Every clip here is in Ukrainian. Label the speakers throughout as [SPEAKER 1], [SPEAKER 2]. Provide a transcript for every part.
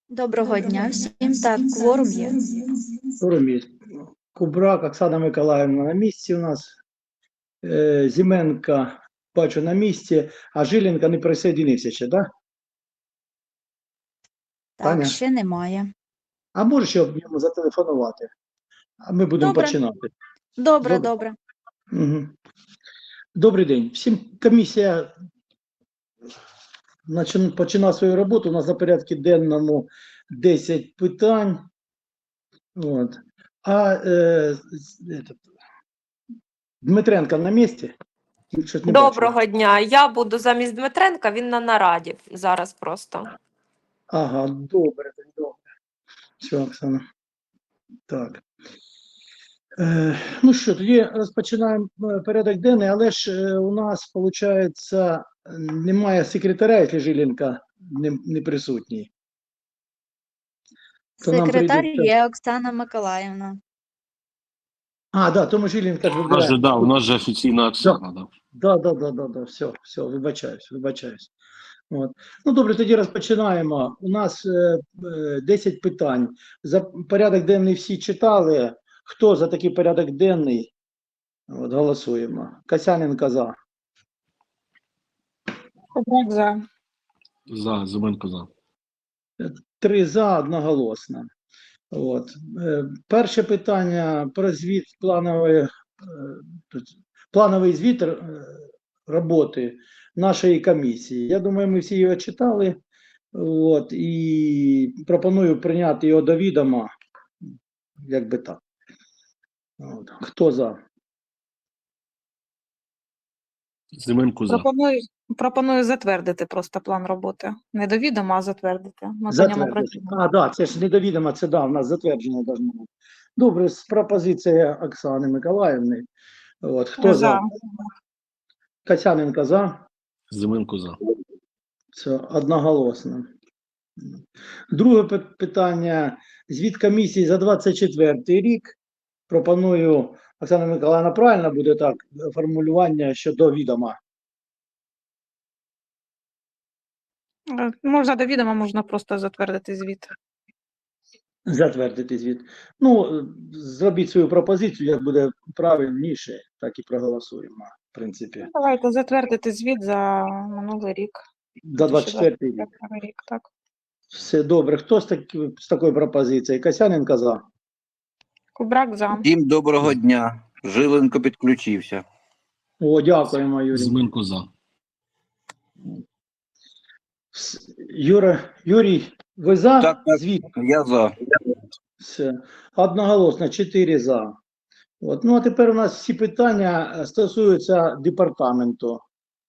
[SPEAKER 1] Доброго дня всім. Так, кворум є.
[SPEAKER 2] Кворум. Кубрак, Оксана Миколаївна на місці у нас. Зименка, бачу, на місці, а Жиленко не присоединився ще, так?
[SPEAKER 1] Так,
[SPEAKER 2] Таня?
[SPEAKER 1] ще немає.
[SPEAKER 2] А можеш ще йому зателефонувати? А ми будемо
[SPEAKER 1] Добре.
[SPEAKER 2] починати.
[SPEAKER 1] Добре.
[SPEAKER 2] Угу. Добрий день. Всім комісія починає свою роботу. У нас на порядку денному 10 питань. От. Дмитренко на місці? Щось не бачу.
[SPEAKER 3] Доброго дня. Я буду замість Дмитренка, він на нараді зараз просто.
[SPEAKER 2] Ага, добре. Все, Оксана. Так. Ну що, тоді розпочинаємо порядок денний, але ж у нас, виходить, немає секретаря, якщо Жиленко не присутній. То нам
[SPEAKER 1] Секретар
[SPEAKER 2] прийдеться-
[SPEAKER 1] є Оксана Миколаївна.
[SPEAKER 2] А, да, тому Жиленко ж
[SPEAKER 4] У нас
[SPEAKER 2] вибирає.
[SPEAKER 4] же, да, у нас же офіційна Оксана, да.
[SPEAKER 2] Да, все, вибачаюсь. От. Ну, добре, тоді розпочинаємо. У нас 10 питань. За порядок денний всі читали. Хто за такий порядок денний? От, голосуємо. Касяненко за.
[SPEAKER 5] Кубрак за.
[SPEAKER 4] За, Зименко за.
[SPEAKER 2] 3 за, одноголосно. От. Перше питання про звіт плановий звіт роботи нашої комісії. Я думаю, ми всі його читали. От, і пропоную прийняти його до відома, як би так. От. Хто за?
[SPEAKER 4] Зименко за.
[SPEAKER 5] Пропоную затвердити просто план роботи. Не до відома, а затвердити. Ми по ньому працюємо.
[SPEAKER 2] А, да, це ж не до відома, це да, у нас затвердження должно бути. Добре, з пропозицією Оксани Миколаївни. От, хто за? Касяненко за.
[SPEAKER 4] Зименко за.
[SPEAKER 2] Це одноголосно. Друге питання. Звіт комісії за 24 рік. Пропоную, Оксана Миколаївна, правильно буде так, формулювання щодо відома?
[SPEAKER 5] Можна до відома, можна просто затвердити звіт.
[SPEAKER 2] Затвердити звіт. Ну, зробіть свою пропозицію, як буде правильніше, так і проголосуємо, в принципі.
[SPEAKER 5] Давайте затвердити звіт за минулий рік.
[SPEAKER 2] За 24 рік.
[SPEAKER 5] 2024 рік, так.
[SPEAKER 2] Все добре. Хто з такою пропозицією? Касяненко за.
[SPEAKER 5] Кубрак за.
[SPEAKER 6] Всім доброго дня. Жиленко підключився.
[SPEAKER 2] О, дякуємо, Юрій.
[SPEAKER 4] Зименко за.
[SPEAKER 2] Юрій, ви за
[SPEAKER 6] Так.
[SPEAKER 2] звіт?
[SPEAKER 6] Я за.
[SPEAKER 2] Все. Одноголосно, 4 за. От. Ну, а тепер у нас всі питання стосуються департаменту.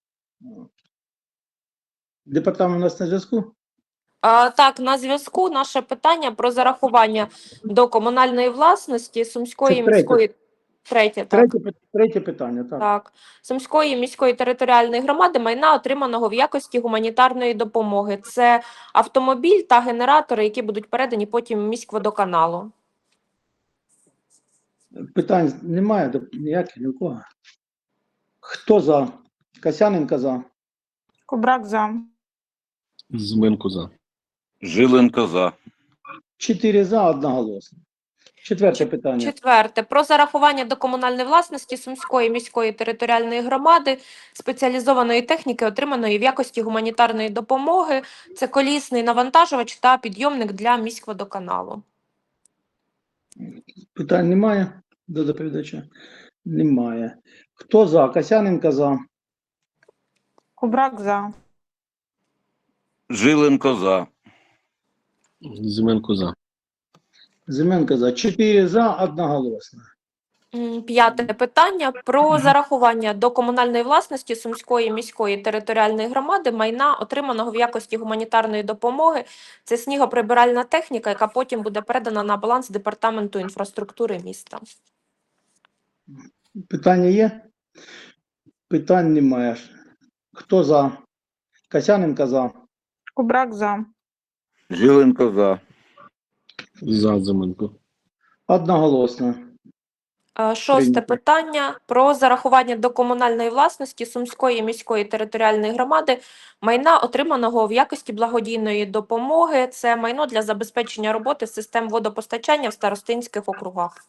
[SPEAKER 2] Департамент у нас на зв'язку?
[SPEAKER 3] Так, на зв'язку наше питання про зарахування до комунальної власності Сумської
[SPEAKER 2] Це третє.
[SPEAKER 3] міської
[SPEAKER 2] Третє питання, так.
[SPEAKER 3] Так, Сумської міської територіальної громади майна, отриманого в якості гуманітарної допомоги. Це автомобіль та генератори, які будуть передані потім міськводоканалу.
[SPEAKER 2] Питань немає ніяких ні у кого. Хто за? Касяненко за.
[SPEAKER 5] Кубрак за.
[SPEAKER 4] Зименко за.
[SPEAKER 6] Жиленко за.
[SPEAKER 2] 4 за, одноголосно. Четверте питання.
[SPEAKER 3] Четверте. Про зарахування до комунальної власності Сумської міської територіальної громади спеціалізованої техніки, отриманої в якості гуманітарної допомоги. Це колісний навантажувач та підйомник для міськводоканалу.
[SPEAKER 2] Питань немає до доповідача? Немає. Хто за? Касяненко за.
[SPEAKER 5] Кубрак за.
[SPEAKER 6] Жиленко за.
[SPEAKER 4] Зименко за.
[SPEAKER 2] Зименко за. 4 за, одноголосно.
[SPEAKER 3] П'яте питання про зарахування до комунальної власності Сумської міської територіальної громади майна, отриманого в якості гуманітарної допомоги. Це снігоприбиральна техніка, яка потім буде передана на баланс департаменту інфраструктури міста.
[SPEAKER 2] Питання є? Питань немає. Хто за? Касяненко за.
[SPEAKER 5] Кубрак за.
[SPEAKER 6] Жиленко за.
[SPEAKER 4] За, Зименко.
[SPEAKER 2] Одноголосно.
[SPEAKER 3] Шосте
[SPEAKER 2] Прийнято.
[SPEAKER 3] питання про зарахування до комунальної власності Сумської міської територіальної громади майна, отриманого в якості благодійної допомоги. Це майно для забезпечення роботи систем водопостачання в старостинських округах.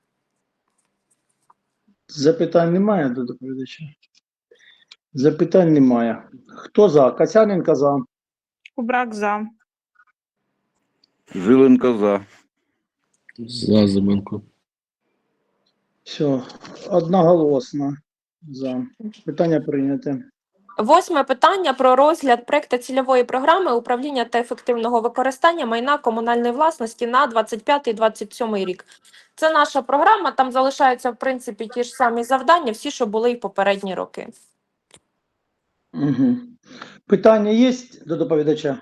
[SPEAKER 2] Запитань немає до доповідача? Запитань немає. Хто за? Касяненко за.
[SPEAKER 5] Кубрак за.
[SPEAKER 6] Жиленко за.
[SPEAKER 4] За Зименко.
[SPEAKER 2] Все, одноголосно за. Питання прийняте.
[SPEAKER 3] Восьме питання про розгляд проекту цільової програми управління та ефективного використання майна комунальної власності на 25-27 рік. Це наша програма, там залишаються, в принципі, ті ж самі завдання, всі, що були і в попередні роки.
[SPEAKER 2] Угу. Питання є до доповідача?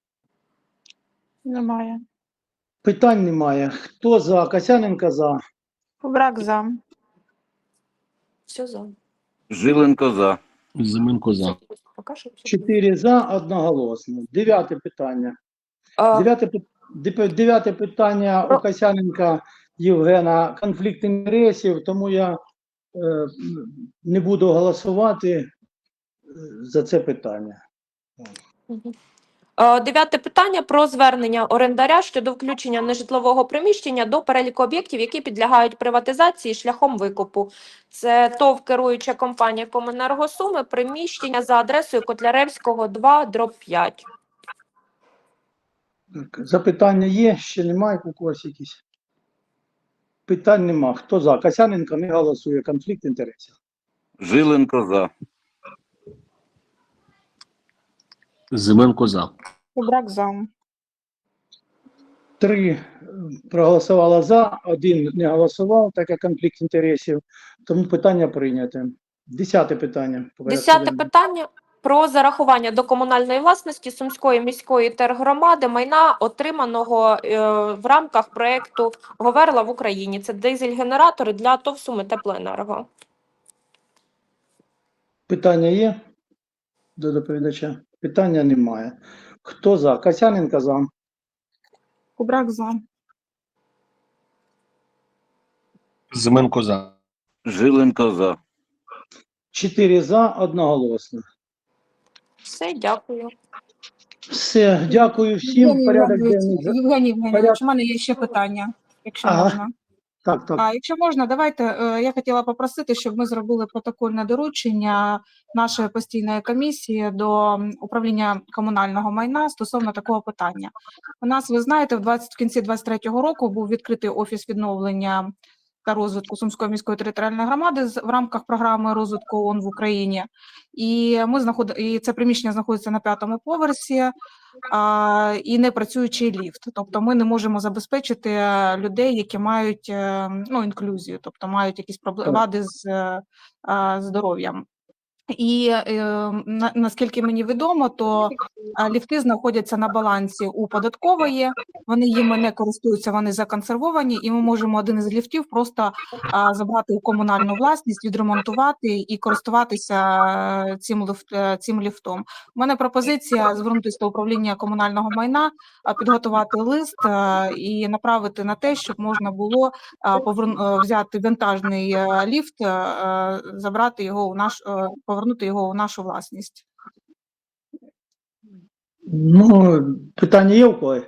[SPEAKER 5] Немає.
[SPEAKER 2] Питань немає. Хто за? Касяненко за.
[SPEAKER 5] Кубрак за.
[SPEAKER 3] Все за.
[SPEAKER 6] Жиленко за.
[SPEAKER 4] Зименко за.
[SPEAKER 3] Поки що все.
[SPEAKER 2] 4 за, одноголосно. Дев'яте питання.
[SPEAKER 3] Е,
[SPEAKER 2] Дев'яте питання у Касяненка Євгена конфлікт інтересів, тому я не буду голосувати за це питання.
[SPEAKER 3] Мгм. Дев'яте питання про звернення орендаря щодо включення нежитлового приміщення до переліку об'єктів, які підлягають приватизації шляхом викупу. Це ТОВ керуюча компанія Комуненерго Суми, приміщення за адресою Котляревського 2/5.
[SPEAKER 2] Так, запитання є? Ще немає у когось якісь? Питань нема. Хто за? Касяненко не голосує. Конфлікт інтересів.
[SPEAKER 6] Жиленко за.
[SPEAKER 4] Зименко за.
[SPEAKER 5] Кубрак за.
[SPEAKER 2] 3 проголосувало за, 1 не голосував, так як конфлікт інтересів. Тому питання прийняте. 10 питання.
[SPEAKER 3] Десяте питання про зарахування до комунальної власності Сумської міської тергромади майна, отриманого в рамках проєкту «Говерла в Україні». Це дизель-генератори для ТОВ Суми Теплоенерго.
[SPEAKER 2] Питання є до доповідача? Питання немає. Хто за? Касяненко за.
[SPEAKER 5] Кубрак за.
[SPEAKER 4] Зименко за.
[SPEAKER 6] Жиленко за.
[SPEAKER 2] 4 за, одноголосно.
[SPEAKER 3] Все, дякую.
[SPEAKER 2] Все, дякую всім.
[SPEAKER 7] Євгеній
[SPEAKER 2] Порядок
[SPEAKER 7] Євгенович,
[SPEAKER 2] денний.
[SPEAKER 7] Євгеній Євгенович, у мене є ще питання, якщо
[SPEAKER 2] Ага.
[SPEAKER 7] можна.
[SPEAKER 2] Так, так.
[SPEAKER 7] Якщо можна, давайте, я хотіла попросити, щоб ми зробили протокольне доручення нашої постійної комісії до управління комунального майна стосовно такого питання. У нас, ви знаєте, в кінці 2023 року був відкритий офіс відновлення та розвитку Сумської міської територіальної громади в рамках програми розвитку ООН в Україні. І це приміщення знаходиться на 5-му поверсі, і не працюючий ліфт. Тобто ми не можемо забезпечити людей, які мають інклюзію, тобто мають якісь вади з здоров'ям. І наскільки мені відомо, то ліфти знаходяться на балансі у податкової, вони їми не користуються, вони законсервовані, і ми можемо один із ліфтів просто забрати у комунальну власність, відремонтувати і користуватися цим ліфтом. У мене пропозиція звернутися до управління комунального майна, підготувати лист і направити на те, щоб можна було взяти вантажний ліфт, забрати його повернути його у нашу власність.
[SPEAKER 2] Ну, питання є у когось?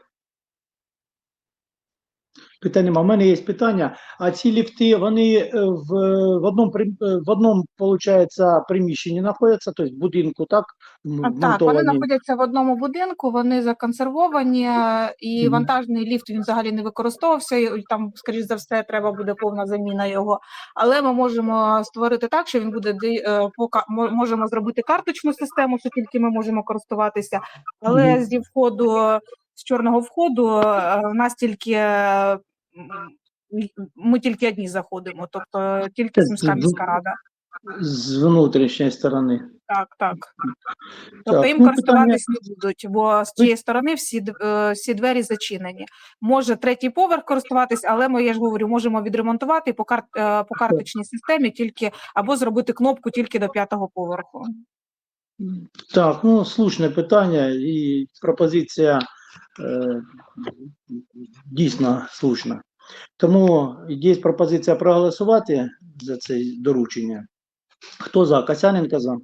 [SPEAKER 2] Питання нема. У мене є питання. А ці ліфти, вони в одному, получається, приміщенні знаходяться, тобто в будинку, так?
[SPEAKER 7] Так, вони знаходяться в одному будинку, вони законсервовані, і вантажний ліфт, він взагалі не використовувався, і там, скоріш за все, треба буде повна заміна його. Але ми можемо створити так, що він буде, можемо зробити карточну систему, що тільки ми можемо користуватися, але зі входу, з чорного входу, у нас ми тільки одні заходимо, тобто тільки Сумська міська рада.
[SPEAKER 2] З внутрішньої сторони.
[SPEAKER 7] Так. Тобто їм користуватись не будуть, бо з цієї сторони всі двері зачинені. Може 3-й поверх користуватись, але ми, я ж говорю, можемо відремонтувати по карточній системі тільки, або зробити кнопку тільки до 5-го поверху.
[SPEAKER 2] Так, слушне питання і пропозиція дійсно слушна. Тому є пропозиція проголосувати за це доручення. Хто за? Касяненко за.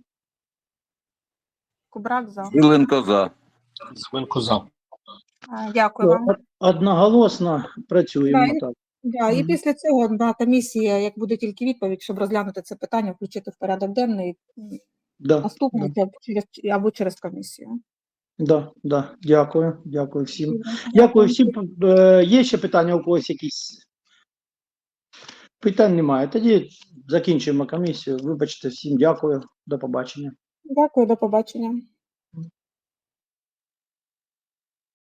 [SPEAKER 7] Кубрак за.
[SPEAKER 6] Жиленко за.
[SPEAKER 4] Зименко за.
[SPEAKER 7] Дякую вам.
[SPEAKER 2] Одноголосно працюємо
[SPEAKER 7] Да,
[SPEAKER 2] так.
[SPEAKER 7] Да, і
[SPEAKER 2] Мгм.
[SPEAKER 7] після цього на комісія, як буде тільки відповідь, щоб розглянути це питання, включити в порядок денний
[SPEAKER 2] Да,
[SPEAKER 7] наступний або через комісію.
[SPEAKER 2] да. Дякую всім. Дякую всім. Є ще питання у когось якісь? Питань немає. Тоді закінчуємо комісію. Вибачте, всім дякую. До побачення.
[SPEAKER 7] Дякую, до побачення.